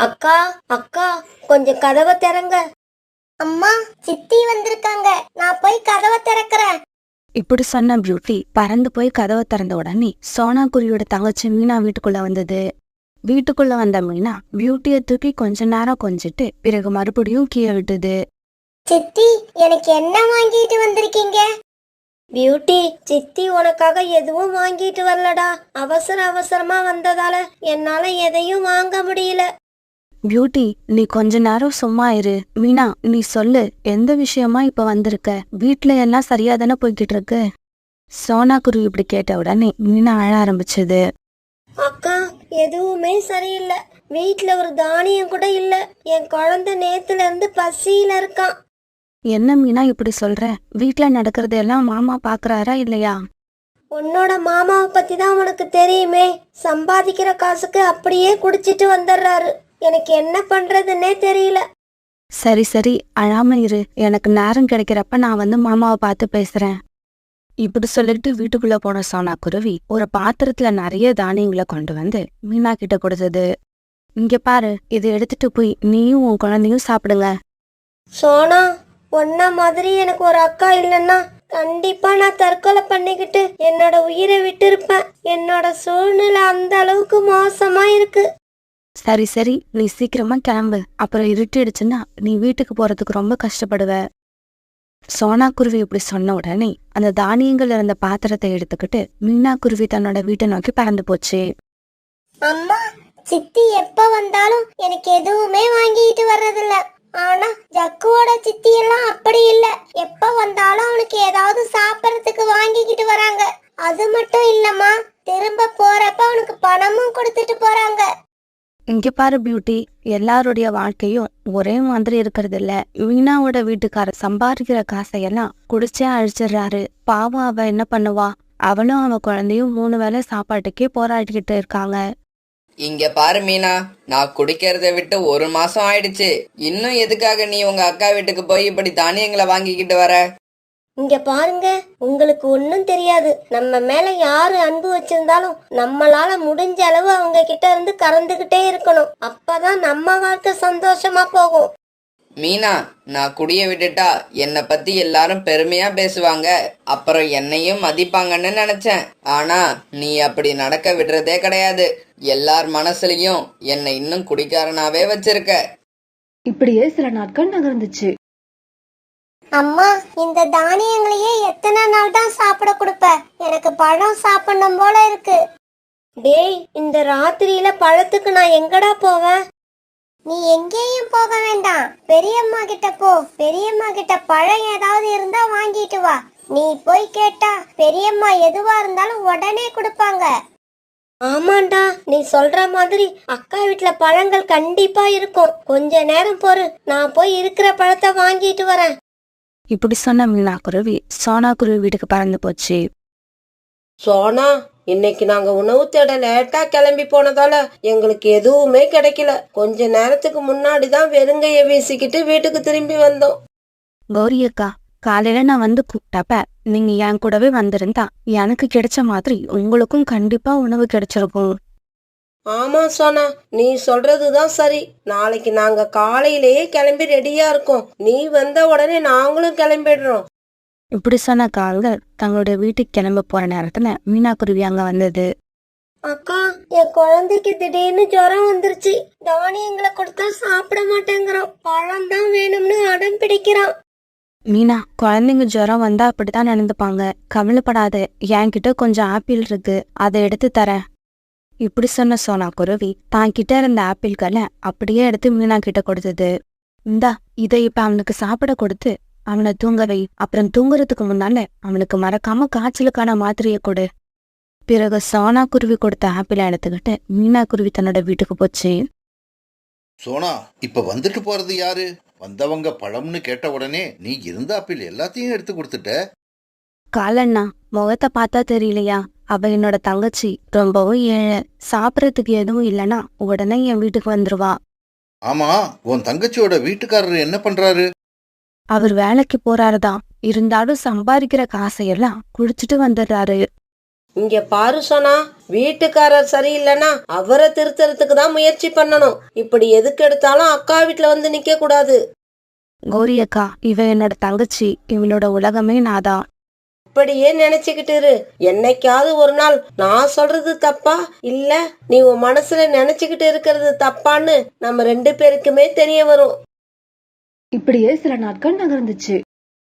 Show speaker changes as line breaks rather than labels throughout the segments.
அக்கா அக்கா, கொஞ்சம் கதவை திறங்க. அம்மா, சித்தி வந்திருக்காங்க, நான் போய் கதவை திறக்கிறேன்.
இப்படி சொன்ன பியூட்டி பறந்து போய் கதவை திறந்த உடனே சோனா குருவியோட தங்கச்சி மீனா வீட்டுக்குள்ள வந்தது. வீட்டுக்குள்ள வந்த மீனா பியூட்டியை தூக்கி கொஞ்ச நேரம் கொஞ்சிட்டு பிறகு மறுபடியும் கீழே விட்டுது.
சித்தி, எனக்கு என்ன வாங்கிட்டு வந்திருக்கீங்க? பியூட்டி, சித்தி உனக்காக எதுவும் வாங்கிட்டு வரலடா. அவசர அவசரமா வந்ததால என்னால எதையும் வாங்க முடியல.
பியூட்டி, நீ கொஞ்ச நேரம் சும்மா இரு. மீனா, நீ சொல்லு, எந்த விஷயமா இப்ப வந்திருக்க? வீட்டுல எல்லாம் சரியா தானே போய்கிட்டு இருக்கு? சோனா குருவி இப்படி கேட்ட உடனே மீனா அழ ஆரம்பிச்சது.
அக்கா, எதுவுமே சரியில்லை. வீட்டுல ஒரு தானியம் கூட இல்ல. என் குழந்தை நேத்துல இருந்து பசியில இருக்கான்.
என்ன மீனா இப்படி சொல்ற? வீட்டுல நடக்கிறதெல்லாம் மாமா பாக்குறாரா இல்லையா?
உன்னோட மாமாவை பத்தி தான் உனக்கு தெரியுமே. சம்பாதிக்கிற காசுக்கு அப்படியே குடிச்சிட்டு வந்துடுறாரு. எனக்கு என்ன பண்றதுன்னே தெரியல.
சரி சரி, அழாம இரு. எனக்கு நேரம் கிடைக்கிறப்ப நான் வந்து மாமாவை பார்த்து பேசுறேன். இப்படி சொல்லிட்டு வீட்டுக்குள்ள போன சோனா குருவி ஒரு பாத்திரத்துல நிறைய தானியங்களை கொண்டு வந்து மீனா கிட்ட கொடுத்தது. இங்க பாரு, இதை எடுத்துட்டு போய் நீயும் உன் குழந்தையும் சாப்பிடுங்க.
சோனா, உன்ன மாதிரி எனக்கு ஒரு அக்கா இல்லைன்னா கண்டிப்பா நான் தற்கொலை பண்ணிக்கிட்டு என்னோட உயிரை விட்டு இருப்பேன். என்னோட சூழ்நிலை அந்த அளவுக்கு மோசமா இருக்கு.
சரி சரி, நீ சீக்கிரமா கிளம்பு. அப்புறம் இருட்டிடுச்சுன்னா நீ வீட்டுக்கு போறதுக்கு ரொம்ப கஷ்டப்படுவ. சோனா குருவி இப்படி சொன்ன உடனே அந்த தானியங்கள் இருந்த பாத்திரத்தை எடுத்துக்கிட்டு மீனா குருவி தன்னோட வீட்டை நோக்கி பறந்து போச்சு.
அம்மா, சித்தி எப்ப வந்தாலும் எனக்கு எதுவுமே வாங்கிட்டு வர்றதில்ல. ஆனா ஜக்குவோட சித்தி எல்லாம் அப்படி இல்ல. எப்ப வந்தாலும் அவனுக்கு ஏதாவது சாப்பிடறதுக்கு வாங்கிக்கிட்டு வராங்க. அது மட்டும் இல்லம்மா, திரும்ப போறப்ப அவனுக்கு பணமும் கொடுத்துட்டு போறாங்க.
இங்க பாரு பியூட்டி, எல்லாருடைய வாழ்க்கையும் ஒரே மாதிரி இருக்கிறது இல்ல. மீனாவோட வீட்டுக்காரர் சம்பாதிக்கிற காசையெல்லாம் குடிச்சே அழிச்சிடுறாரு. பாவம், அவ என்ன பண்ணுவா? அவளும் அவ குழந்தையும் 3 வேளை சாப்பாட்டுக்கே போராடிக்கிட்டு இருக்காங்க.
இங்க பாரு மீனா, நான் குடிக்கிறத விட்டு 1 மாசம் ஆயிடுச்சு. இன்னும் எதுக்காக நீ உங்க அக்கா வீட்டுக்கு போய் இப்படி தானியங்களை வாங்கிக்கிட்டு வர?
இங்க பாருங்க, உங்களுக்கு ஒன்னும் தெரியாது. நம்ம மேல யாரு அன்பு வச்சிருந்தாலும் நம்மளால முடிஞ்ச அளவு அவங்க கிட்ட இருந்து கறந்துகிட்டே இருக்கணும். அப்பதான் நம்ம வாழ்க்கை சந்தோஷமா போகும்.
மீனா, நான் குடிய விட்டுட்டா என்னை பத்தி எல்லாரும் பெருமையா பேசுவாங்க, அப்புறம் என்னையும் மதிப்பாங்கன்னு நினைச்சேன். ஆனா நீ அப்படி நடக்க விடுறதே கிடையாது. எல்லார் மனசுலயும் என்னை இன்னும் குடிக்காரனாவே வச்சிருக்க.
இப்படியே சில நாட்கள் நகர்ந்துச்சு.
அம்மா, இந்த தானியங்களையே எத்தனை நாள் தான் சாப்பிட கொடுப்ப? எனக்கு பழம் சாப்பிடணும் போல இருக்கு. டேய், இந்த ராத்திரியில பழத்துக்கு நான் எங்கடா போவேன்? நீ எங்கேயும் போக வேண்டாம். பெரியம்மா கிட்ட போ. பெரியம்மா கிட்ட பழம் ஏதாவது இருந்தா வாங்கிட்டு வா. நீ போய் கேட்டா பெரியம்மா எதுவா இருந்தாலும் உடனே கொடுப்பாங்க. ஆமாண்டா, நீ சொல்ற மாதிரி அக்கா வீட்டுல பழங்கள் கண்டிப்பா இருக்கும். கொஞ்ச நேரம் பொறு, நான் போய் இருக்கிற பழத்தை வாங்கிட்டு வரேன்.
இப்படி சொன்ன மீனா குருவி சோனா குருவி வீட்டுக்கு பறந்து போச்சு.
சோனா, இன்னைக்கு நாங்க உணவு தேட லேட்டா கிளம்பி போனதால எங்களுக்கு எதுவுமே கிடைக்கல. கொஞ்ச நேரத்துக்கு முன்னாடிதான் வெறுங்கைய வீசிக்கிட்டு வீட்டுக்கு திரும்பி வந்தோம்.
கௌரி அக்கா, காலையில நான் வந்து கூப்பிட்டப்ப நீங்க என் கூடவே வந்திருந்தா எனக்கு கிடைச்ச மாதிரி உங்களுக்கும் கண்டிப்பா உணவு கிடைச்சிருக்கும்.
ஆமா சோனா, நீ சொல்றதுதான் சரி. நாளைக்கு நாங்க காலையிலேயே கிளம்பி ரெடியா இருக்கோம். நீ வந்த உடனே நாங்களும் கிளம்பிடுறோம்.
இப்படி சொன்ன கால்கள் தங்களுடைய வீட்டுக்கு கிளம்ப போற நேரத்துல மீனா குருவி அங்க வந்தது.
அக்கா, என் குழந்தைக்கு திடீர்னு ஜுரம் வந்துருச்சு. தானியங்களை கொடுத்தா சாப்பிட மாட்டேங்கிறான். பழம் தான் வேணும்னு அடம் பிடிக்கிறான்.
மீனா, குழந்தைங்க ஜுரம் வந்தா அப்படித்தான் நடந்துப்பாங்க. கவலைப்படாத, என்கிட்ட கொஞ்சம் ஆப்பிள் இருக்கு, அதை எடுத்து தரேன். இப்படி சொன்ன சோனா குருவி தான் கிட்ட இருந்த ஆப்பிள்களை அப்படியே எடுத்து மீனா கிட்ட கொடுத்தது. இந்தா, இதை இப்ப அவனுக்கு சாப்பிட கொடுத்து அவனை தூங்க வை. அப்புறம் தூங்குறதுக்கு முன்னால அவனுக்கு மறக்காம காய்ச்சலுக்கான மாத்திரையை கொடு. பிறகு சோனா குருவி கொடுத்த ஆப்பிளை எடுத்துக்கிட்டு மீனா குருவி தன்னோட வீட்டுக்கு போச்சு.
சோனா, இப்ப வந்துட்டு போறது யாரு? வந்தவங்க பழம்னு கேட்ட உடனே நீ இருந்த ஆப்பிள் எல்லாத்தையும் எடுத்து கொடுத்துட்ட.
காலண்ணா, முகத்தை பார்த்தா தெரியலையா? அவ என்னோட தங்கச்சி, ரொம்பவும் ஏழை. சாப்பிடறதுக்கு எதுவும் இல்லைன்னா உடனே என் வீட்டுக்கு வந்துருவா.
ஆமா, உன் தங்கச்சியோட வீட்டுக்காரர் என்ன பண்றாரு?
அவர் வேலைக்கு போறாருதான். இருந்தாலும் சம்பாதிக்கிற காசையெல்லாம் குடிச்சிட்டு வந்துடுறாரு.
இங்க பாரு சோனா, வீட்டுக்காரர் சரியில்லைன்னா அவரை திருத்தறதுக்கு தான் முயற்சி பண்ணணும். இப்படி எதுக்கு எடுத்தாலும் அக்கா வீட்டுல வந்து நிக்க கூடாது.
கௌரி அக்கா, இவ என்னோட தங்கச்சி, இவளோட உலகமே நாதான்.
இப்படியே நினைச்சுக்கிட்டு இரு. என்னைக்காவது ஒரு நாள் நான் சொல்றது தப்பா இல்ல நீ உன் மனசுல நினைச்சுக்கிட்டு இருக்கிறது தப்பான்னு நம்ம 2 பேருக்குமே தெரிய வரும்.
இப்படியே சில நாட்கள் நகர்ந்துச்சு.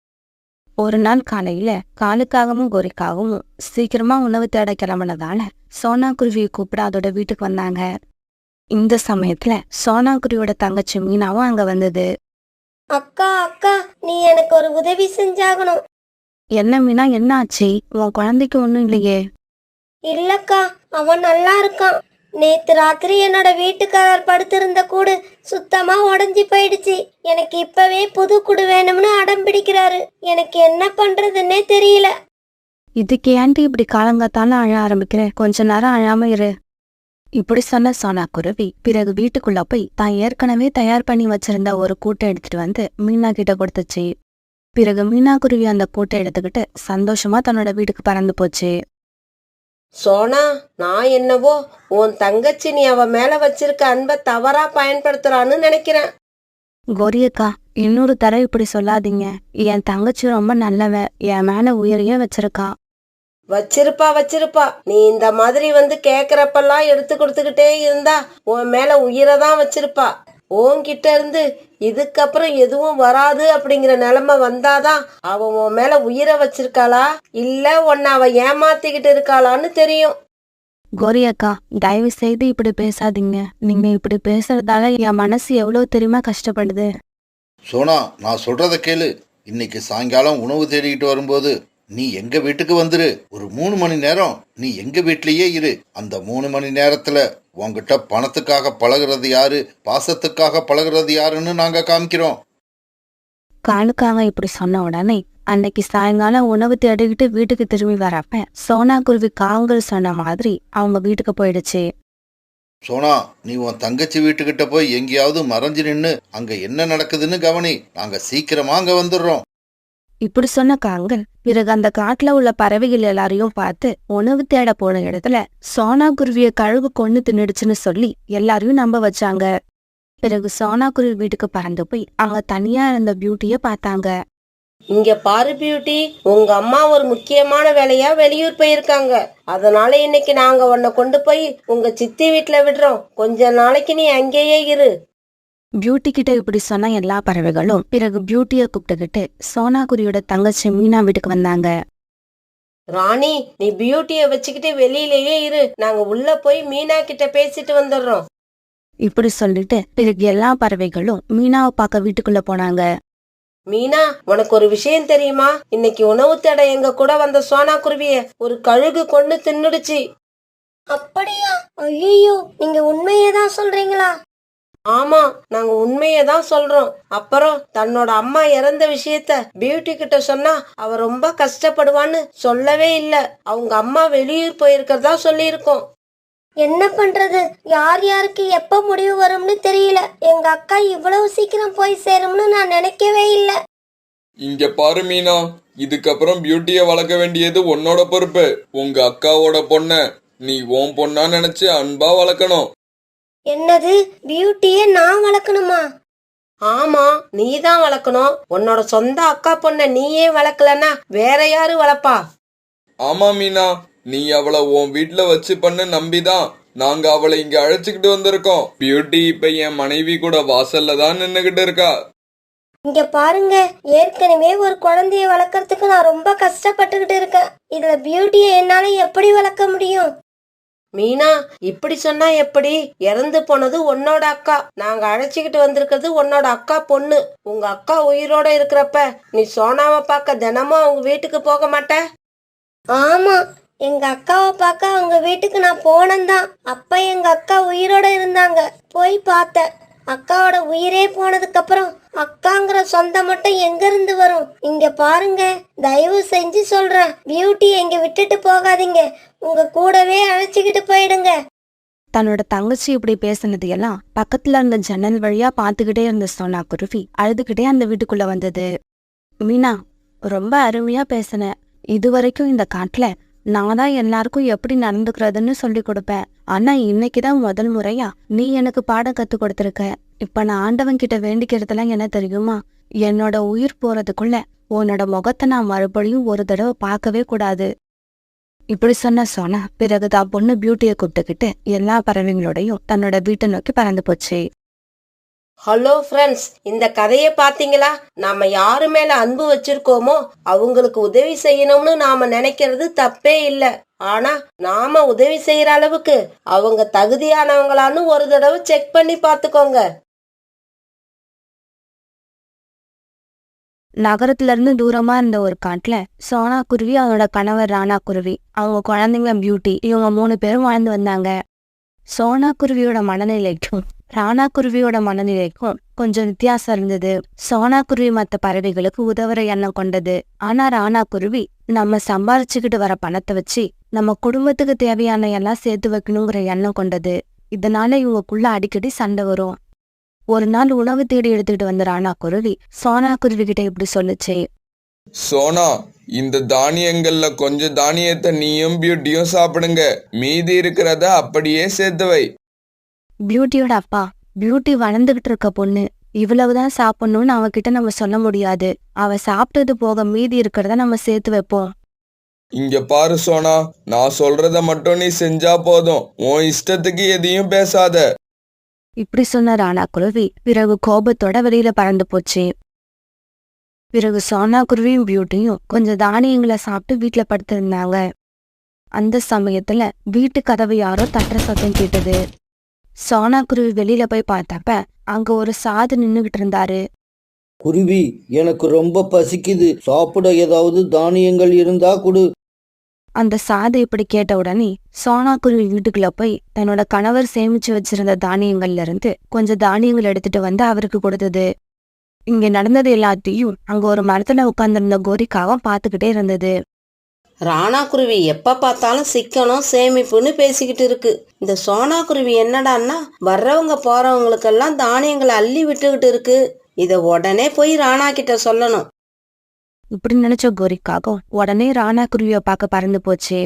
ஒரு நாள் காலையில காலுக்காகவும் கோரிக்காகவும் சீக்கிரமா உணவு தேட கிளம்புனதால சோனா குருவியை கூப்பிட அதோட வீட்டுக்கு வந்தாங்க. இந்த சமயத்துல சோனா குருவியோட தங்கச்சி மீனாவும் அங்க வந்தது.
அக்கா அக்கா, நீ எனக்கு ஒரு உதவி செஞ்சாகணும்.
என்ன மீனா, என்ன ஆச்சு? உன் குழந்தைக்கு ஒண்ணும் இல்லையே?
இல்லக்கா, அவன் நல்லா இருக்கான். நேத்து ராத்திரி என்னோட வீட்டுக்காரர் படுத்திருந்த கூடு சுத்தமா உடைஞ்சு போயிடுச்சு. எனக்கு இப்பவே புது கூடு வேணும்னு அடம் பிடிக்கிறாரு. எனக்கு என்ன பண்றதுன்னே தெரியல.
இதுக்கு ஏன்டி இப்படி காலங்காத்தால அழ ஆரம்பிக்கிற? கொஞ்ச நேரம் அழாம இரு. இப்படி சொன்ன சோனா குருவி பிறகு வீட்டுக்குள்ள போய் தான் ஏற்கனவே தயார் பண்ணி வச்சிருந்த ஒரு கூட்டை எடுத்துட்டு வந்து மீனா கிட்ட கொடுத்துச்சு. பிறகு மீனா குருவி அந்த கூட்டை எடுத்துக்கிட்டு சந்தோஷமா தன்னோட வீட்டுக்கு பறந்து போச்சு.
சோனா, நான் என்னவோ உன் தங்கச்சி நீ அவ மேல வச்சிருக்க அன்பை தவறா பயன்படுத்துறான்னு நினைக்கிறேன்.
கோரியக்கா, இன்னொரு தடவை இப்படி சொல்லாதீங்க. என் தங்கச்சி ரொம்ப நல்லவ, என் மேல உயிரையே வச்சிருக்கா.
வச்சிருப்பா. நீ இந்த மாதிரி வந்து கேக்குறப்பெல்லாம் எடுத்து கொடுத்துக்கிட்டே இருந்தா உன் மேல உயிரை தான் வச்சிருப்பா. உன்கிட்ட இருந்து இதுக்கப்புறம் எதுவும் வராது அப்படிங்கிற நிலைமை வந்தாதான் அவ உன் மேல உயிரை வச்சிருக்காளா இல்ல உன்னை அவ ஏமாத்திக்கிட்டு இருக்காளான்னு தெரியும்.
கோரியக்கா, தயவு செய்து இப்படி பேசாதீங்க. நீங்க இப்படி பேசுறதால என் மனசு எவ்வளவு தெரியுமா கஷ்டப்படுது.
சோனா, நான் சொல்றத கேளு. இன்னைக்கு சாயங்காலம் உணவு தேடிக்கிட்டு வரும்போது நீ எங்க வீட்டுக்கு வந்துரு. ஒரு 3 மணி நேரம் நீ எங்க வீட்லயே இரு. அந்த 3 மணி நேரத்துல உன்கிட்ட பணத்துக்காக பழகுறது யாரு, பாசத்துக்காக பழகுறது யாருன்னு நாங்க காமிக்கிறோம்.
காலுக்காக இப்படி சொன்ன உடனே அன்னைக்கு சாயங்காலம் உணவு தேடிக்கிட்டு வீட்டுக்கு திரும்பி வரப்ப சோனா குருவி காங்கள் சொன்ன மாதிரி அவங்க வீட்டுக்கு போயிடுச்சு.
சோனா, நீ உன் தங்கச்சி வீட்டுக்கிட்ட போய் எங்கேயாவது மறைஞ்சு நின்னு அங்க என்ன நடக்குதுன்னு கவனி. நாங்க சீக்கிரமா அங்க வந்துடுறோம்.
இப்படி சொன்ன காங்கள் பிறகு அந்த காட்டுல உள்ள பறவைகள் எல்லாரையும் பார்த்து உணவு தேட போன இடத்துல சோனா குருவிய கழுகு கொன்னு தின்னுடுச்சுன்னு சொல்லி எல்லாரையும் நம்ப வச்சாங்க. பிறகு சோனா குருவி வீட்டுக்கு பறந்து போய் அங்க தனியா இருந்த பியூட்டிய பார்த்தாங்க.
இங்க பாரு பியூட்டி, உங்க அம்மா ஒரு முக்கியமான வேலையா வெளியூர் போயிருக்காங்க. அதனால இன்னைக்கு நாங்க உன்னை கொண்டு போய் உங்க சித்தி வீட்டுல விடுறோம். கொஞ்ச நாளைக்கு நீ அங்கேயே இரு.
பியூட்டி கிட்ட இப்படி சொன்ன எல்லா பறவைகளும் பிறகு பியூட்டிய கூப்பிட்டுக்கிட்டு சோனா குருவியோட தங்கச்சி மீனா வீட்டுக்கு வந்தாங்க.
ராணி, நீ பியூட்டிய வச்சுக்கிட்டு வெளியிலேயே இரு. நாங்க உள்ள போய் மீனா கிட்ட பேசிட்டு வந்துடுறோம்.
இப்படி சொல்லிட்டு பிறகு எல்லா பறவைகளும் மீனாவை பார்க்க வீட்டுக்குள்ள போனாங்க.
மீனா, உனக்கு ஒரு விஷயம் தெரியுமா? இன்னைக்கு உணவு தேட எங்க கூட வந்த சோனா குருவிய ஒரு கழுகு கொண்டு தின்னுடுச்சு.
அப்படியா? ஐயோ, நீங்க உண்மையேதான் சொல்றீங்களா?
ஆமா, நாங்க உண்மையதான் சொல்றோம். அப்புறம் தன்னோட அம்மா இறந்த விஷயத்த பியூட்டி கிட்ட சொன்னா அவ ரொம்ப கஷ்டப்படுவான்னு சொல்லவே இல்ல. அவங்க அம்மா வெளியூர் போயிருக்கிறதா சொல்லியிருக்கோம்.
என்ன பண்றது? யார் யாருக்கு எப்ப முடிவு வரும்னு தெரியல. எங்க அக்கா இவ்வளவு சீக்கிரம் போய் சேரும்னு நான் நினைக்கவே இல்ல.
இங்க பாரு மீனா, இதுக்கப்புறம் பியூட்டிய வளர்க்க வேண்டியது உன்னோட பொறுப்பு. உங்க அக்காவோட பொண்ண நீ உன் பொண்ணா நினைச்சு அன்பா வளர்க்கணும்.
என்னது? பியூட்டிய நான் வளர்க்கணுமா?
ஆமா, நீதான் வளர்க்கணும். உன்னோட சொந்த அக்கா பொண்ண நீயே வளர்க்கலன்னா வேற யாரு வளர்ப்பா?
ஆமா மீனா, நீ அவளை உன் வீட்டுல வச்சு பண்ண நம்பிதான் நாங்க அவளை இங்க அழைச்சுக்கிட்டு வந்திருக்கோம். பியூட்டி இப்ப என் மனைவி கூட வாசல்ல தான் நின்னுகிட்டு இருக்கா.
இங்க பாருங்க, ஏற்கனவே ஒரு குழந்தைய வளர்க்கறதுக்கு நான் ரொம்ப கஷ்டப்பட்டுக்கிட்டு இருக்கேன். இதுல பியூட்டிய என்னால எப்படி வளர்க்க முடியும்?
மீனா, இப்படி சொன்னா எப்படி? இறந்து போனது உன்னோட அக்கா. நாங்க அழைச்சிக்கிட்டு வந்திருக்கிறது உன்னோட அக்கா பொண்ணு. உங்க அக்கா உயிரோட இருக்கிறப்ப நீ சோனாவை பார்க்க தினமும் அவங்க வீட்டுக்கு போக மாட்ட?
ஆமா, எங்க அக்காவை பார்க்க அவங்க வீட்டுக்கு நான் போனேன்தான். அப்ப எங்க அக்கா உயிரோட இருந்தாங்க. போய் பார்த்தேன். அக்காவோட உயிரே போனதுக்கு அப்புறம் அக்காங்கிற சொந்தம் மட்டும் எங்க இருந்து வரும்? இங்க பாருங்க, தயவு செஞ்சு சொல்றேன், பியூட்டி எங்க விட்டுட்டு போகாதீங்க. உங்க கூடவே அழைச்சிக்கிட்டு போயிடுங்க.
தன்னோட தங்கச்சி இப்படி பேசினது எல்லாம் பக்கத்துல இருந்த ஜன்னல் வழியா பாத்துக்கிட்டே இருந்த சோனா குருவி அழுதுகிட்டே அந்த வீட்டுக்குள்ள வந்தது. மீனா, ரொம்ப அருமையா பேசின. இதுவரைக்கும் இந்த காட்டுல நான் தான் எல்லாருக்கும் எப்படி நடந்துக்கிறதுன்னு சொல்லி கொடுப்பேன். ஆனா இன்னைக்குதான் முதல் முறையா நீ எனக்கு பாடம் கத்து கொடுத்துருக்க. இப்ப நான் ஆண்டவன் கிட்ட வேண்டிக்கிறதுலாம் என்ன தெரியுமா? என்னோட உயிர் போறதுக்குள்ள உன்னோட முகத்தை நான் மறுபடியும் ஒரு தடவை பார்க்கவே கூடாது. இப்படி சொன்ன சோனா பிறகு தான் பொண்ணு பியூட்டியை கூப்பிட்டுக்கிட்டு எல்லா பறவைங்களோடையும் தன்னோட வீட்டை நோக்கி பறந்து போச்சு.
ஹலோ ஃப்ரெண்ட்ஸ், இந்த கதையை பாத்தீங்களா? நாம யாரு மேல அன்பு வச்சிருக்கோமோ அவங்களுக்கு உதவி செய்யணும்னு நாம நினைக்கிறது தப்பே இல்ல. ஆனா நாம உதவி செய்யற அளவுக்கு அவங்க தகுதியானவங்களான்னு ஒரு தடவை செக் பண்ணி பாத்துக்கோங்க.
நகரத்துல இருந்து தூரமா இருந்த ஒரு காட்டுல சோனா குருவி, அவனோட கணவர் ராணா குருவி, அவங்க குழந்தைங்க பியூட்டி, இவங்க 3 பேரும் வாழ்ந்து வந்தாங்க. சோனா குருவியோட மனநிலைக்கும் ராணா குருவியோட மனநிலைக்கும் கொஞ்சம் வித்தியாசம் இருந்தது. சோனா குருவி மற்ற பறவைகளுக்கு உதவுற எண்ணம் கொண்டது. ஆனா ராணா குருவி நம்ம சம்பாரிச்சுக்கிட்டு வர பணத்தை வச்சு நம்ம குடும்பத்துக்கு தேவையான எல்லாம் சேர்த்து வைக்கணுங்கிற எண்ணம் கொண்டது. இதனால இவங்களுக்குள்ள அடிக்கடி சண்டை வரும். ஒரு நாள் உணவு தேடி எடுத்துக்கிட்டு வந்த ராணா குருவி சோனா குருவி கிட்ட இப்படி சொல்லுச்சு.
சோனா, இந்த தானியங்கள்ல கொஞ்சம் தானியத்தை நீயும் பியூட்டியும் சாப்பிடுங்க. மீதி இருக்கிறத அப்படியே சேர்த்து வை.
பியூட்டியோட அப்பா, பியூட்டி வளர்ந்துகிட்டு இருக்க பொண்ணு, இவ்வளவுதான் சாப்பிடணும்னு அவகிட்ட நம்ம சொல்ல முடியாது. அவ சாப்பிட்டது போக மீதி இருக்கிறத நம்ம சேர்த்து வைப்போம்.
இங்க பாரு சோனா, நான் சொல்றத மட்டும் நீ செஞ்சா போதும். உன் இஷ்டத்துக்கு எதையும் பேசாத.
இப்படி சொன்ன ராணா குருவி பிறகு கோபத்தோட வெளியில பறந்து போச்சு. பிறகு சோனா குருவியும் பியூட்டியும் கொஞ்சம் தானியங்களை சாப்பிட்டு வீட்டுல படுத்திருந்தாங்க. அந்த சமயத்துல வீட்டு கதவு யாரோ தட்டுற சத்தம் கேட்டது. சோனா குருவி வெளியில போய் பார்த்தப்ப அங்க ஒரு சாது நின்னுகிட்டு இருந்தாரு.
குருவி, எனக்கு ரொம்ப பசிக்குது, சாப்பிட ஏதாவது தானியங்கள் இருந்தா கொடு.
அந்த சாது இப்படி கேட்ட உடனே சோனா குருவி வீட்டுக்குள்ள போய் தன்னோட கணவர் சேமிச்சு வச்சிருந்த தானியங்கள்ல இருந்து கொஞ்சம் தானியங்கள் எடுத்துட்டு வந்து அவருக்கு கொடுத்தது. இங்க நடந்தது எல்லாத்தையும் அங்க ஒரு மரத்துல உட்கார்ந்திருந்த கோரிக்காவும் பாத்துக்கிட்டே இருந்தது.
ராணா குருவி எப்ப பார்த்தாலும் சிக்கனம் சேமிப்புன்னு பேசிக்கிட்டு இருக்கு. இந்த சோனா குருவி என்னடான்னா வர்றவங்க போறவங்களுக்கெல்லாம் தானியங்களை அள்ளி விட்டுக்கிட்டு இருக்கு. இத உடனே போய் ராணா கிட்ட சொல்லணும்.
இப்படி நினைச்ச கோரிக்காகவும் உடனே ராணா குருவிய பார்க்க பறந்து போச்சு.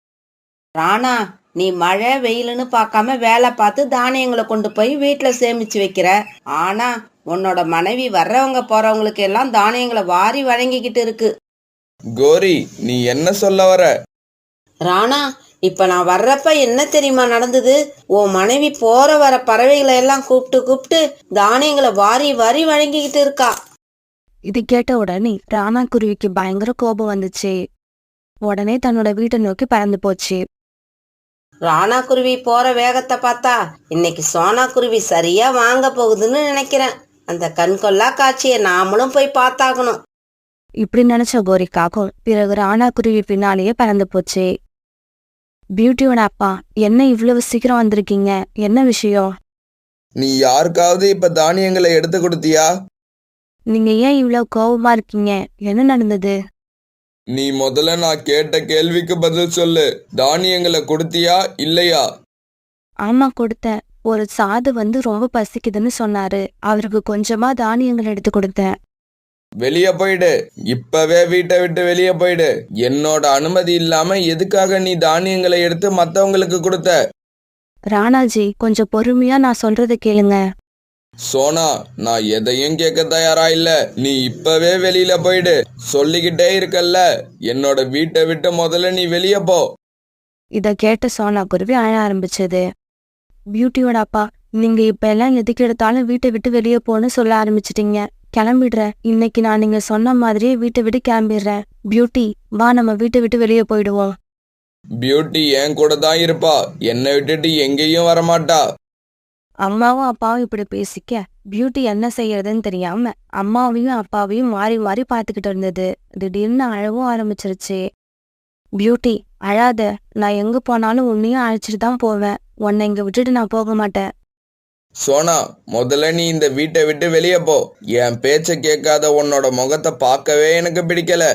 ராணா, நீ மழை வெயிலுன்னு பார்க்காம வேலை பார்த்து தானியங்களை கொண்டு போய் வீட்டுல சேமிச்சு வைக்கிற. ஆனா உன்னோட மனைவி வர்றவங்க போறவங்களுக்கு எல்லாம் தானியங்களை வாரி வழங்கிக்கிட்டு இருக்கு.
கோரி, நீ என்ன சொல்ல வர?
ராணா, இப்ப நான் வர்றப்ப என்ன தெரியுமா நடந்தது? உன் மனைவி போற வர பறவைகளை எல்லாம் கூப்பிட்டு தானியங்களை வாரி வாரி வழங்கிக்கிட்டு இருக்கா.
இது கேட்ட உடனே ராணா குருவிக்கு பயங்கர கோபம் வந்துச்சு. உடனே தன்னோட வீட்டை நோக்கி பறந்து போச்சு.
ராணா குருவி போற வேகத்தை பார்த்தா இன்னைக்கு சோனா குருவி சரியா வாங்க போகுதுன்னு நினைக்கிறேன். அந்த கண்கொள்ளா காட்சியை நாமளும் போய் பார்த்தாகணும்.
இப்படி நினைச்ச கோரிக்காகவும் பிறகு ராணா குருவி பின்னாலேயே பறந்து போச்சு. பியூட்டியோட அப்பா, என்ன இவ்வளவு சீக்கிரம் வந்திருக்கீங்க? என்ன விஷயம்?
நீ யாருக்காவது இப்ப தானியங்களை எடுத்து கொடுத்தியா?
நீங்க ஏன் இவ்வளவு கோபமா இருக்கீங்க? என்ன நடந்தது?
நீ முதல்ல நான் கேட்ட கேள்விக்கு பதில் சொல்லு. தானியங்களை கொடுத்தியா இல்லையா?
ஆமா, கொடுத்தேன். ஒரு சாது வந்து ரொம்ப பசிக்குதுன்னு சொன்னாரு. அவருக்கு கொஞ்சமா தானியங்கள் எடுத்து கொடுத்தேன்.
வெளிய போயிடு. இப்பவே வீட்டை விட்டு வெளிய போயிடு. என்னோட அனுமதி இல்லாம எதுக்காக நீ தானியங்களை எடுத்து மத்தவங்களுக்கு கொடுத்த?
ராணாஜி, கொஞ்சம் பொறுமையா நான் சொல்றதை கேளுங்க.
சோனா, நான் எதையும் கேட்க தயாரா இல்ல. நீ இப்பவே வெளியில போயிடு. சொல்லிக்கிட்டே இருக்கல்ல, என்னோட வீட்டை விட்டு முதல்ல நீ வெளிய போ.
இத கேட்ட சோனா குருவி அழ ஆரம்பிச்சது. பியூட்டியோட அப்பா, நீங்க இப்ப எல்லாம் எதுக்கு எடுத்தாலும் வீட்டை விட்டு வெளியே போன்னு சொல்ல ஆரம்பிச்சிட்டீங்க. கிளம்பிடுறேன். இன்னைக்கு நான் நீங்க சொன்ன மாதிரியே வீட்டை விட்டு கிளம்பிடுறேன். பியூட்டி, வா, நம்ம வீட்டை விட்டு வெளியே போயிடுவோம்.
பியூட்டி என் கூட தான் இருப்பா. என்னை விட்டுட்டு எங்கேயும் வரமாட்டா.
அம்மாவும் அப்பாவும் இப்படி பேசிக்க பியூட்டி என்ன செய்யறதுன்னு தெரியாம அம்மாவையும் அப்பாவையும் மாறி மாறி பாத்துக்கிட்டு இருந்தது. திடீர்னு அழவும் ஆரம்பிச்சிருச்சு. பியூட்டி, அழாத. நான் எங்க போனாலும் உன்னையும் அழைச்சிட்டு தான் போவேன். உன்னை இங்க விட்டுட்டு நான் போக மாட்டேன்.
சோனா, முதல்ல நீ இந்த வீட்டை விட்டு வெளியே போ. என் பேச்ச கேட்காத உன்னோட முகத்தை பார்க்கவே எனக்கு பிடிக்கல.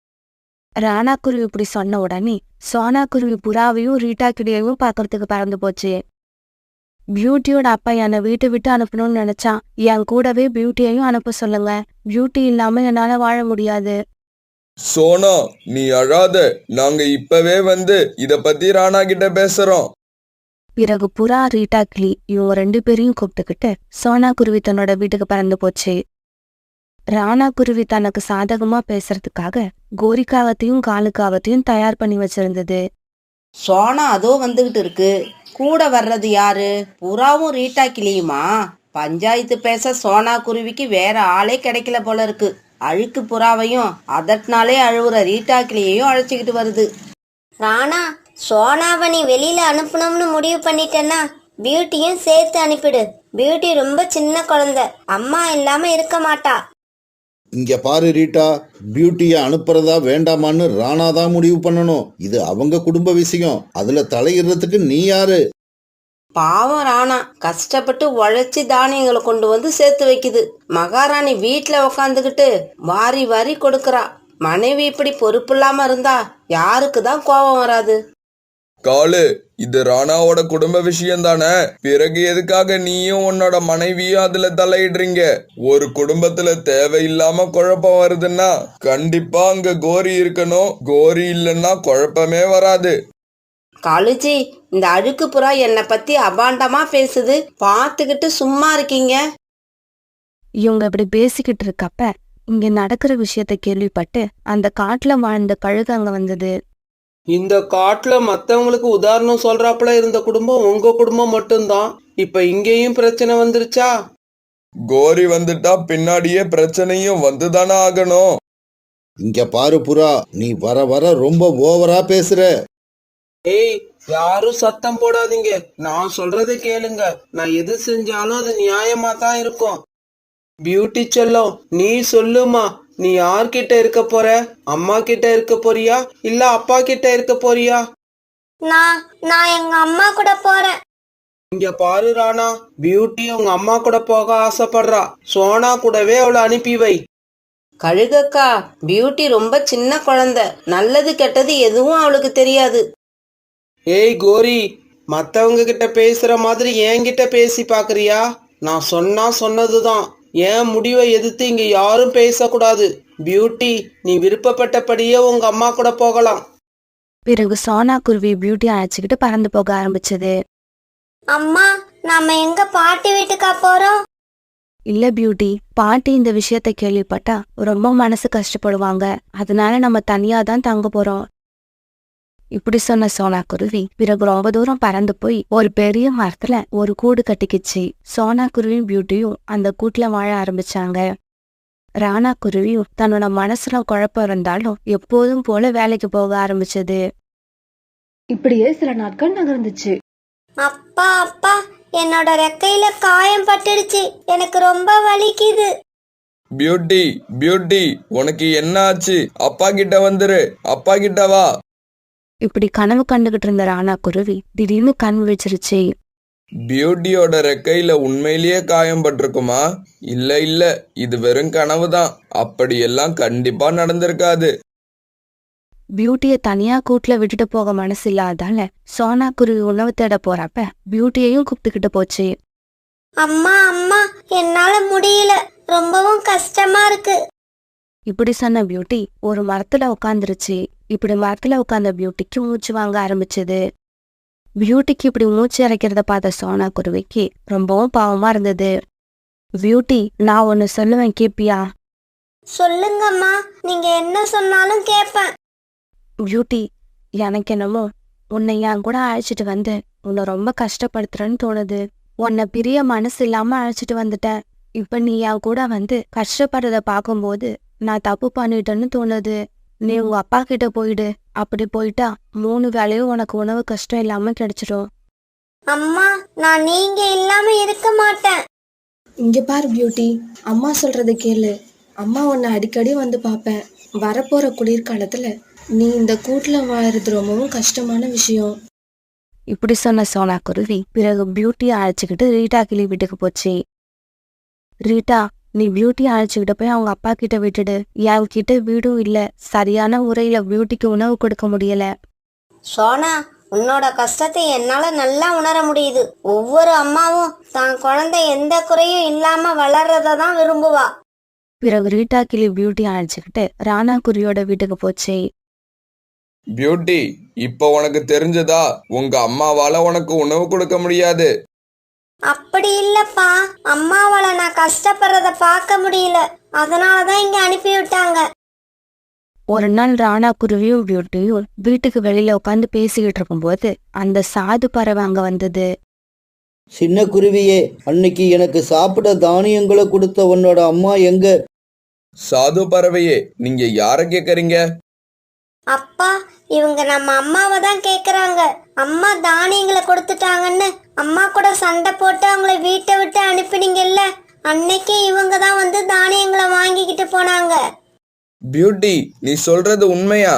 ராணா குருவி இப்படி சொன்ன உடனே சோனா குருவி புறாவையும் ரீட்டா கிளியையும் பாக்குறதுக்கு பறந்து போச்சு. பியூட்டியோட அப்பா என்னை வீட்டை விட்டு அனுப்பணும்னு நினைச்சா என் கூடவே பியூட்டியையும் அனுப்ப சொல்லுங்க. பியூட்டி இல்லாம என்னால வாழ முடியாது.
சோனா, நீ அழாத. நாங்க இப்பவே வந்து இத பத்தி ராணா கிட்ட பேசுறோம்.
பிறகு புறா, ரீட்டா கிளி இவங்க 2 பேரையும் கூப்பிட்டுக்கிட்டு சோனா குருவி தன்னோட வீட்டுக்கு பறந்து போச்சு. ராணா குருவி தனக்கு சாதகமா பேசுறதுக்காக கோரிக்காகத்தையும் காலுக்காகத்தையும் தயார் பண்ணி வச்சிருந்தது.
சோனா அதோ வந்துகிட்டு இருக்கு. கூட வர்றது யாரு? புறாவும் ரீட்டா கிளியுமா? பஞ்சாயத்து பேச சோனா குருவிக்கு வேற ஆளே கிடைக்கல போல இருக்கு. அழுக்கு புறாவையும் அதட்னாலே அழுவுற ரீட்டா கிளியையும் அழைச்சிக்கிட்டு வருது.
ராணா, சோனாவை நீ வெளியில அனுப்பணும்னு முடிவு பண்ணிட்டேன்னா பியூட்டியும் சேர்த்து அனுப்பிடு. பியூட்டி ரொம்ப சின்ன குழந்தை, அம்மா இல்லாம இருக்க மாட்டா.
இங்க பாரு ரீட்டா, பியூட்டியை அனுப்புறதா வேண்டாமான்னு ராணா தான் முடிவு பண்ணணும். இது அவங்க குடும்ப விஷயம். அதுல தலையிடுறதுக்கு நீ யாரு?
பாவம் ராணா கஷ்டப்பட்டு உழைச்சி தானியங்களை கொண்டு வந்து சேர்த்து வைக்குது. மகாராணி வீட்டுல உக்காந்துக்கிட்டு வாரி வாரி கொடுக்கறா. மனைவி இப்படி பொறுப்பு இல்லாம இருந்தா யாருக்கு தான் கோபம் வராது?
காலு, இது ராணாவோட குடும்ப விஷயம் தானே. பிறகு எதுக்காக நீயும் உன்னோட மனைவியும் அதுல தலையிடுறீங்க? ஒரு குடும்பத்துல தேவையில்லாம குழப்பம் வருதுன்னா கண்டிப்பா அங்க கோரி இருக்கணும். கோரி இல்லைன்னா குழப்பமே வராது.
காலுஜி, இந்த அழுக்கு புறா என்னை பத்தி அபாண்டமா பேசுது, பார்த்துக்கிட்டு சும்மா இருக்கீங்க?
இவங்க இப்படி பேசிக்கிட்டு இருக்கப்ப இங்க நடக்கிற விஷயத்த கேள்விப்பட்டு அந்த காட்டுல வாழ்ந்த கழுகு அங்க வந்தது.
இந்த காட்டுல மத்தவங்களுக்கு உதாரணம் சொல்றாப்புல இருந்த குடும்பம் உங்க குடும்பம் மட்டும்தான். இப்ப இங்கேயும் பிரச்சனை வந்துருச்சா?
கோரி வந்துட்டா பின்னாடியே பிரச்சனையும் வந்துதானே ஆகணும்.
இங்க பாரு புறா, நீ வர வர ரொம்ப ஓவரா பேசுற.
ஏய், யாரும் சத்தம் போடாதீங்க. நான் சொல்றதை கேளுங்க. நான் எது செஞ்சாலும் அது நியாயமா தான் இருக்கும். பியூட்டி செல்லம், நீ சொல்லுமா, நீ யார்கிட்ட இருக்க போற? அம்மா கிட்ட இருக்க போறியா இல்ல அப்பா கிட்ட இருக்க போறியா?
நான் எங்க அம்மா கூட போறேன்.
இங்க பாரு ராணா, பியூட்டி உங்க அம்மா கூட போக ஆசைப்படுறா. சோனா கூடவே அவளை அனுப்பி வை.
கழுகக்கா, பியூட்டி ரொம்ப சின்ன குழந்தை, நல்லது கெட்டது எதுவும் அவளுக்கு தெரியாது.
ஏய் கோரி, மத்தவங்க கிட்ட பேசுற மாதிரி என்கிட்ட பேசி பாக்குறியா? நான் சொன்னா சொன்னதுதான். என் முடிவை எதிர்த்து இங்க யாரும் பேசக்கூடாது. பியூட்டி, நீ விருப்பப்பட்டபடியே உங்க அம்மா கூட போகலாம்.
பிறகு சோனா குருவி பியூட்டி அழைச்சிக்கிட்டு பறந்து போக ஆரம்பிச்சது.
அம்மா, நாம எங்க பாட்டி வீட்டுக்கா போறோம்?
இல்ல பியூட்டி, பாட்டி இந்த விஷயத்த கேள்விப்பட்டா ரொம்ப மனசு கஷ்டப்படுவாங்க. அதனால நம்ம தனியா தான் தங்க போறோம். இப்படி சொன்ன சோனா குருவி பிறகு ரொம்ப தூரம் பறந்து போய் ஒரு பெரிய மரத்துல ஒரு கூடு கட்டிக்கிச்சு. சோனா குருவியும் பியூட்டியும் அந்த கூட்டுல வாழ ஆரம்பிச்சாங்க. ராணா குருவியும் தன்னோட மனசுல குழப்பம் இருந்தாலும் எப்போதும் போல வேலைக்கு போக ஆரம்பிச்சது.
இப்படியே சில நாட்கள் நகர்ந்துச்சு.
அப்பா அப்பா, என்னோட ரெக்கையில காயம் பட்டுடுச்சு, எனக்கு ரொம்ப வலிக்குது.
பியூட்டி, பியூட்டி, உனக்கு என்ன ஆச்சு? அப்பா கிட்ட வந்துரு. அப்பா கிட்ட வா.
இப்படி கனவு கண்டுகிட்டு இருந்த ராணா குருவி திடீர்னு கண் விழிச்சிருச்சு.
பியூட்டியோட ரெக்கையில உண்மையிலேயே காயம் பட்டிருக்குமா? இல்ல இல்ல, இது வெறும் கனவுதான். அப்படியெல்லாம் கண்டிப்பா நடந்திருக்காது.
பியூட்டிய தனியா கூட்டுல விட்டுட்டு போக மனசு இல்லாதால சோனா குருவி உணவு தேட போறப்ப பியூட்டியையும் கூப்பிட்டுக்கிட்டு போச்சு.
அம்மா அம்மா, என்னால முடியல, ரொம்பவும் கஷ்டமா இருக்கு.
இப்படி சொன்ன பியூட்டி ஒரு மரத்துல உட்காந்துருச்சு. இப்படி மரத்துல உட்கார்ந்த பியூட்டிக்கு மூச்சு வாங்க ஆரம்பிச்சது. பியூட்டிக்கு இப்படி மூச்சு இறைக்கிறத பார்த்த சோனா குருவிக்கு ரொம்பவும் பாவமா இருந்தது. பியூட்டி, நான் ஒன்னு சொல்லுவேன், கேப்பியா?
சொல்லுங்கம்மா, நீங்க என்ன சொன்னாலும் கேட்பேன்.
பியூட்டி, எனக்கு என்னமோ உன்னை என் கூட அழைச்சிட்டு வந்து உன்னை ரொம்ப கஷ்டப்படுத்துறேன்னு தோணுது. உன்னை பிரிய மனசு இல்லாம அழைச்சிட்டு வந்துட்டேன். இப்ப நீ என் கூட வந்து கஷ்டப்படுறத பார்க்கும்போது நான் தப்பு பண்ணிட்டேன்னு தோணுது. நீ உங்க அப்பா கிட்ட போயிடு. அப்படி போயிட்டா 3 வேளையும் உனக்கு உணவு கஷ்டம் இல்லாம கிடைச்சிடும்.
அம்மா, நான் நீங்க இல்லாம இருக்க மாட்டேன்.
இங்க பாரு பியூட்டி, அம்மா சொல்றதை கேளு. அம்மா உன்னை அடிக்கடி வந்து பார்ப்பேன். வரப்போற குளிர்காலத்துல நீ இந்த கூட்டுல வாழறது ரொம்பவும் கஷ்டமான விஷயம்.
இப்படி சொன்ன சோனா குருவி பிறகு பியூட்டியை அழைச்சிக்கிட்டு ரீட்டா கிளி வீட்டுக்கு போச்சு. ரீட்டா, நீ பியூட்டியை அழைச்சிக்கிட்டு போய் அவங்க அப்பா கிட்ட விட்டுடு. என் கிட்ட வீடும் இல்ல, சரியான முறையில பியூட்டிக்கு உணவு கொடுக்க முடியல.
சோனா, உன்னோட கஷ்டத்தை என்னால நல்லா உணர முடியுது. ஒவ்வொரு அம்மாவும் தான் குழந்தை எந்த குறையும் இல்லாம வளர்றதான் விரும்புவா.
பிறகு ரீட்டா கிளி பியூட்டி அழைச்சுக்கிட்டு ராணா குருவியோட வீட்டுக்கு போச்சு.
பியூட்டி, இப்ப உனக்கு தெரிஞ்சதா உங்க அம்மாவால உனக்கு உணவு கொடுக்க முடியாது.
அப்படி இல்லப்பா, அம்மாவால நான் கஷ்டப்படுறத பார்க்க முடியல, அதனாலதான் இங்க அனுப்பி விட்டாங்க.
ஒரு நாள் ராணா குருவியும் பியூட்டியும் வீட்டுக்கு வெளியில உட்காந்து பேசிக்கிட்டு இருக்கும்போது அந்த சாது பறவை அங்க வந்தது.
சின்ன குருவியே, அன்னைக்கு எனக்கு சாப்பிட தானியங்களை கொடுத்த உன்னோட அம்மா எங்க?
சாது பறவையே, நீங்க யார கேக்குறீங்க?
அப்பா, இவங்க நம்ம அம்மாவை தான் கேக்குறாங்க. அம்மா தானியங்களை கொடுத்துட்டாங்கன்னு அம்மா கூட சண்டை போட்டு அவங்கள வீட்டை விட்டு அனுப்பினீங்கல்ல, அன்னைக்கே இவங்க தான் வந்து தானியங்களை வாங்கிக்கிட்டு போனாங்க.
பியூட்டி, நீ சொல்றது உண்மையா?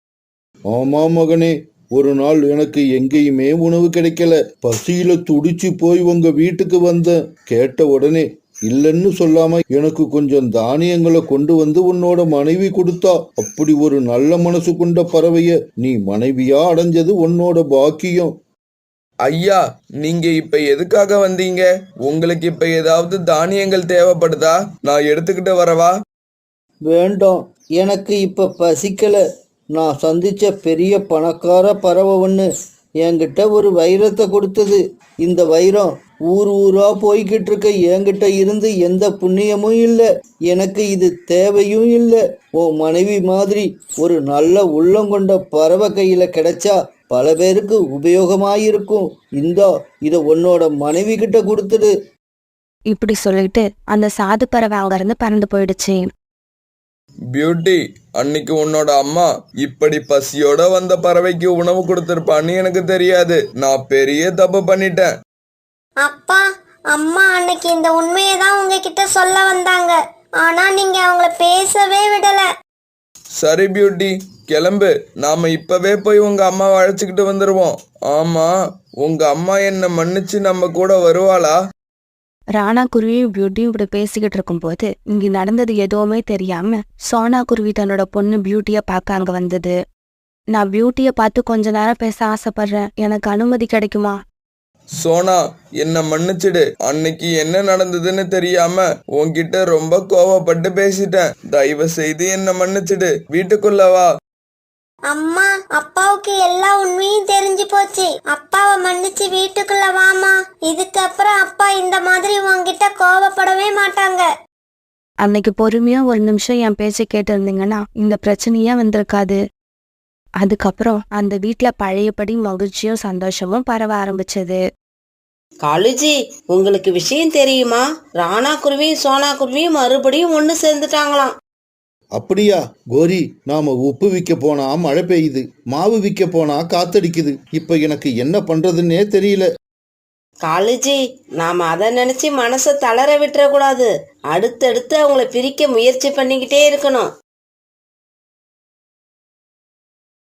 ஆமா மகனே, ஒரு நாள் எனக்கு எங்கேயுமே உணவு கிடைக்கல. பசியில துடிச்சு போய் உங்க வீட்டுக்கு வந்தேன். கேட்ட உடனே இல்லைன்னு சொல்லாம எனக்கு கொஞ்சம் தானியங்களை கொண்டு வந்து உன்னோட மனைவி கொடுத்தா. அப்படி ஒரு நல்ல மனசு கொண்ட பறவைய நீ மனைவியா அடைஞ்சது உன்னோட பாக்கியம்.
ஐயா, நீங்க இப்ப எதுக்காக வந்தீங்க? உங்களுக்கு இப்ப ஏதாவது தானியங்கள் தேவைப்படுதா? நான் எடுத்துக்கிட்டு வரவா?
வேண்டாம், எனக்கு இப்ப பசிக்கல. நான் சந்திச்ச பெரிய பணக்கார பறவை ஒன்று என்கிட்ட ஒரு வைரத்தை கொடுத்தது. இந்த வைரம் ஊர் ஊரா போய்கிட்டு இருக்க என்கிட்ட இருந்து எந்த புண்ணியமும் இல்லை. எனக்கு இது தேவையும் இல்லை. உன் மனைவி மாதிரி ஒரு நல்ல உள்ளம் கொண்ட பறவை கையில கிடைச்சா பல பேருக்கு உபயோகமாயிருக்கும். இந்தா, இதை உன்னோட மனைவி கிட்ட கொடுத்துடு.
இப்படி சொல்லிட்டு அந்த சாது பறவை அங்கிருந்து பறந்து போயிடுச்சு.
பியூட்டி, அன்னைக்கு உன்னோட அம்மா இப்படி பசியோட வந்த பறவைக்கு உணவு கொடுத்திருப்பான்னு எனக்கு தெரியாது. நான் பெரிய தப்பு பண்ணிட்டேன்.
அப்பா, அம்மா அன்னைக்கு இந்த உண்மையை தான் உங்ககிட்ட சொல்ல வந்தாங்க, ஆனா நீங்க அவங்கள பேசவே விடல.
சரி பியூட்டி, கிளம்பு. நாம இப்பவே போய் உங்க அம்மாவை அழைச்சிக்கிட்டு வந்துருவோம். ஆமா, உங்க அம்மா என்ன மன்னிச்சு நம்ம கூட வருவாளா?
ராணா குருவியும் பியூட்டியும் இப்படி பேசிக்கிட்டு இருக்கும்போது இங்க நடந்தது எதுவுமே தெரியாம சோனா குருவி தன்னோட பொண்ணு பியூட்டிய பார்க்க அங்க வந்தது. நான் பியூட்டிய பார்த்து கொஞ்ச நேரம் பேச ஆசைப்படுறேன், எனக்கு அனுமதி கிடைக்குமா?
சோனா, என்ன மன்னிச்சிடு. அன்னைக்கு என்ன நடந்ததுன்னு தெரியாம உன்கிட்ட ரொம்ப கோவப்பட்டு பேசிட்டேன். தயவு செய்து என்ன மன்னிச்சிடு. வீட்டுக்குள்ள வா.
அம்மா, அப்பாவுக்கு எல்லா உண்மையும் தெரிஞ்சு போச்சு. அப்பாவை மன்னிச்சு வீட்டுக்குள்ள வாமா. இதுக்கப்புறம் அப்பா இந்த மாதிரி உன்கிட்ட கோவப்படவே மாட்டாங்க.
அன்னைக்கு பொறுமையா ஒரு நிமிஷம் என் பேச்சை கேட்டு இருந்தீங்கன்னா இந்த பிரச்சனையே வந்திருக்காது. அதுக்கப்புறம் அந்த வீட்டுல பழையபடி மகிழ்ச்சியும் சந்தோஷமும் பரவ ஆரம்பிச்சது.
காலுஜி, உங்களுக்கு விஷயம் தெரியுமா? ராணா குருவியும் சோனா குருவியும் மறுபடியும் ஒன்று சேர்ந்துட்டாங்களாம்.
அப்படியா கோரி? நாம உப்பு விற்க போனா மழை பெய்யுது, மாவு விற்க போனா காத்தடிக்குது. இப்ப எனக்கு என்ன பண்றதுன்னே தெரியல.
காலுஜி, நாம அதை நினைச்சு மனசை தளர விட்டுற கூடாது. அடுத்தடுத்து அவங்கள பிரிக்க முயற்சி பண்ணிக்கிட்டே இருக்கணும்.